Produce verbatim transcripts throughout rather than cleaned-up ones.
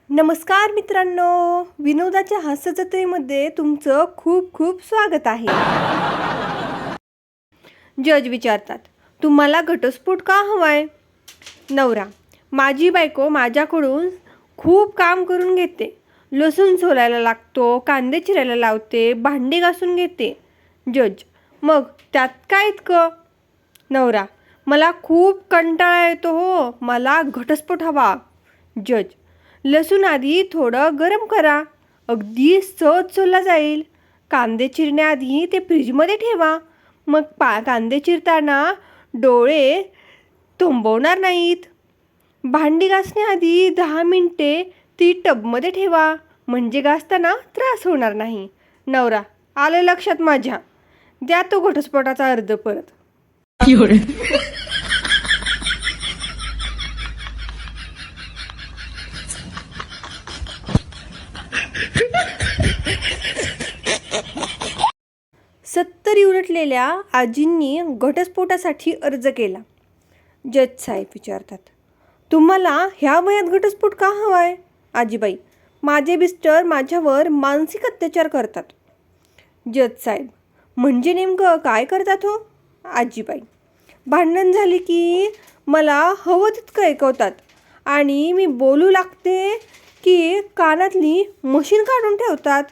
नमस्कार मित्रांनो, विनोदाच्या हास्यजत्रेमध्ये तुमचं खूप खूप स्वागत आहे. जज विचारतात, तुम्हाला घटस्फोट का हवाय? नवरा, माझी बायको माझ्याकडून खूप काम करून घेते. लसूण सोलायला लागतो, कांदे चिरायला लावते, भांडी घासून घेते. जज, मग त्यात काय इतकं? नवरा, मला खूप कंटाळा येतो हो, मला घटस्फोट हवा. जज, लसूण आधी थोडं गरम करा, अगदी सहज सोलला जाईल. कांदे चिरण्याआधी ते फ्रीजमध्ये ठेवा, मग पा कांदे चिरताना डोळे थांबवणार नाहीत. भांडी घासण्याआधी दहा मिनटे ती टबमध्ये ठेवा, म्हणजे घासताना त्रास होणार नाही. नवरा, आलं लक्षात माझ्या, द्या तो घटस्फोटाचा अर्ज परत. सत्तरी उलटलेल्या आजींनी घटस्फोटासाठी अर्ज केला. जज साहेब विचारतात, तुम्हाला ह्या वयात घटस्फोट का हवाय? आजीबाई, माझे मिस्टर माझ्यावर मानसिक अत्याचार करतात. जज साहेब, म्हणजे नेमकं काय करतात हो? आजीबाई, भांडण झाली की मला हवं तितकं ऐकवतात आणि मी बोलू लागते की कानातली मशीन काढून ठेवतात.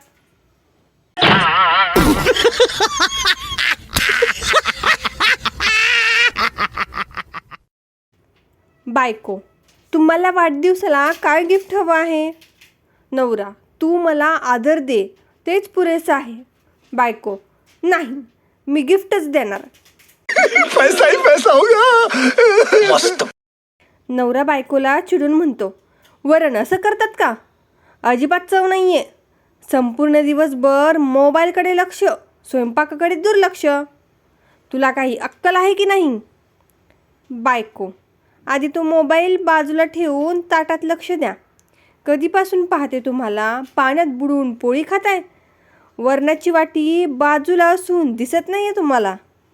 बायको, तुम्हाला वाढदिवसाला काय गिफ्ट हवं आहे? नवरा, तू मला आदर दे, तेच पुरेसं आहे. बायको, नाही, मी गिफ्टच देणार. पैसा ही पैसा होगा. मस्त. नवरा बायकोला चिडून म्हणतो, वरण असं करतात का? अजिबात चव नाहीये. संपूर्ण दिवसभर मोबाईलकडे लक्ष, स्वयंपाकाकडे दुर्लक्ष. तुला काही अक्कल आहे की नाही? बायको, आधी तो मोबाईल बाजूला ठेवून ताटात लक्ष द्या. कधीपासून पाहते तुम्हाला पाण्यात बुडून पोळी खाताय. वरणाची वाटी बाजूला असून दिसत नाहीये तुम्हाला.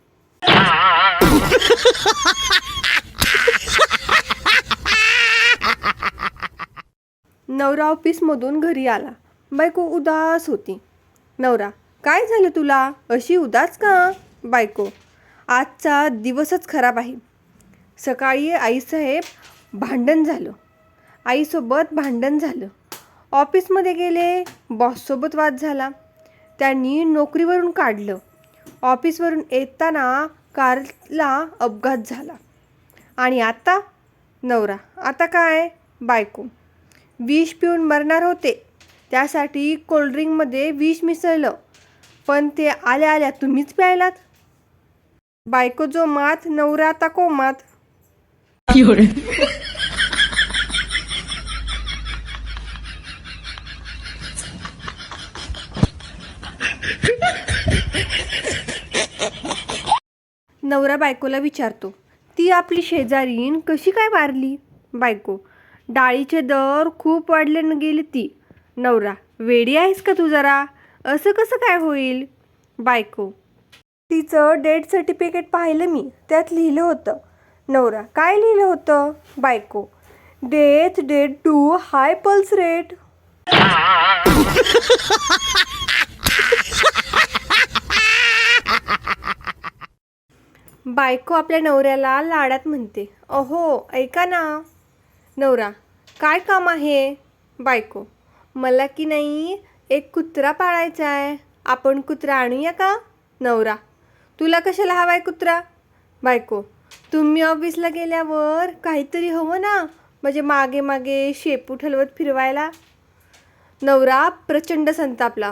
नवरा ऑफिसमधून घरी आला. बायको उदास होती. नवरा, काय झालं तुला, अशी उदास का? बायको, आजचा दिवसच खराब आहे. सकाळी आईसाहेब भांडण झालं आईसोबत भांडण झालं ऑफिसमध्ये गेले, बॉससोबत वाद झाला, त्यांनी नोकरीवरून काढलं. ऑफिसवरून येताना कारला अपघात झाला. आणि आता? नवरा, आता काय? बायको, विष पिऊन मरणार होते, त्यासाठी कोल्ड्रिंकमध्ये विष मिसळलं, पण ते आल्या आल्या तुम्हीच प्यायलात. बायको जो मात, नवरा आता कोमात. नवरा बायकोला विचारतो, ती आपली शेजारीन कशी काय वारली? बायको, डाळीचे दर खूप वाढले न गेली ती. नवरा, वेडी आहेस का तू जरा, असं कसं काय होईल? बायको, तिचं डेथ सर्टिफिकेट पाहिलं मी, त्यात लिहिलं होतं. नवरा, काय लिहिलं होतं? बायको, death date to high pulse rate. बायको आपल्या नवऱ्याला लाडात म्हणते, अहो ऐका ना. नवरा, काय काम आहे? बायको, मला की नाही एक कुत्रा पाळायचा आहे, आपण कुत्रा आणूया का? नवरा, तुला कशाला हवाय कुत्रा? बायको, तुम्ही ऑफिसला गेल्यावर काहीतरी हवं ना, म्हणजे मागे मागे शेपू ठलवत फिरवायला. नवरा प्रचंड संतापला.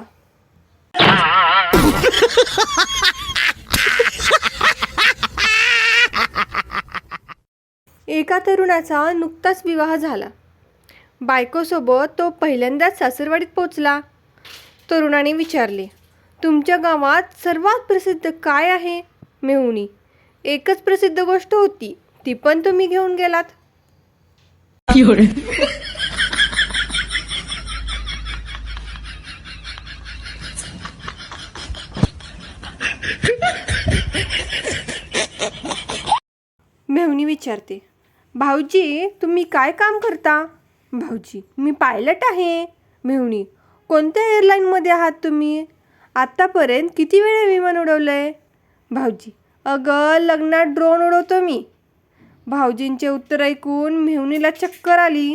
एका तरुणाचा नुकताच विवाह झाला. बायकोसोबत तो पहिल्यांदाच सासरवाडीत पोचला. तरुणाने विचारले, तुमच्या गावात सर्वात प्रसिद्ध काय आहे? मेहुणी, एकच प्रसिद्ध गोष्ट होती, ती पण तुम्ही घेऊन गेलात. मेहुणी विचारते, भाऊजी तुम्ही काय काम करता? भाऊजी, मी पायलट आहे. मेहुणी, कोणत्या एअरलाईनमध्ये आहात तुम्ही? आत्तापर्यंत किती वेळा विमान उडवलं आहे? भाऊजी, अगं लग्नात ड्रोन उडवतो मी. भाऊजींचे उत्तर ऐकून मेहुणीला चक्कर आली.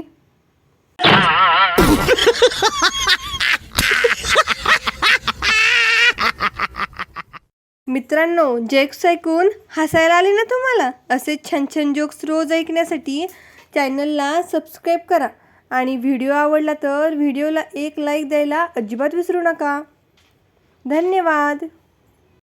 मित्रांनो, जोक्स ऐकून हसायला आले ना तुम्हाला? असे छान छान जोक्स रोज ऐकण्यासाठी चॅनलला सबस्क्राईब करा आणि व्हिडिओ आवडला तर व्हिडिओला एक लाईक द्यायला अजिबात विसरू नका. धन्यवाद.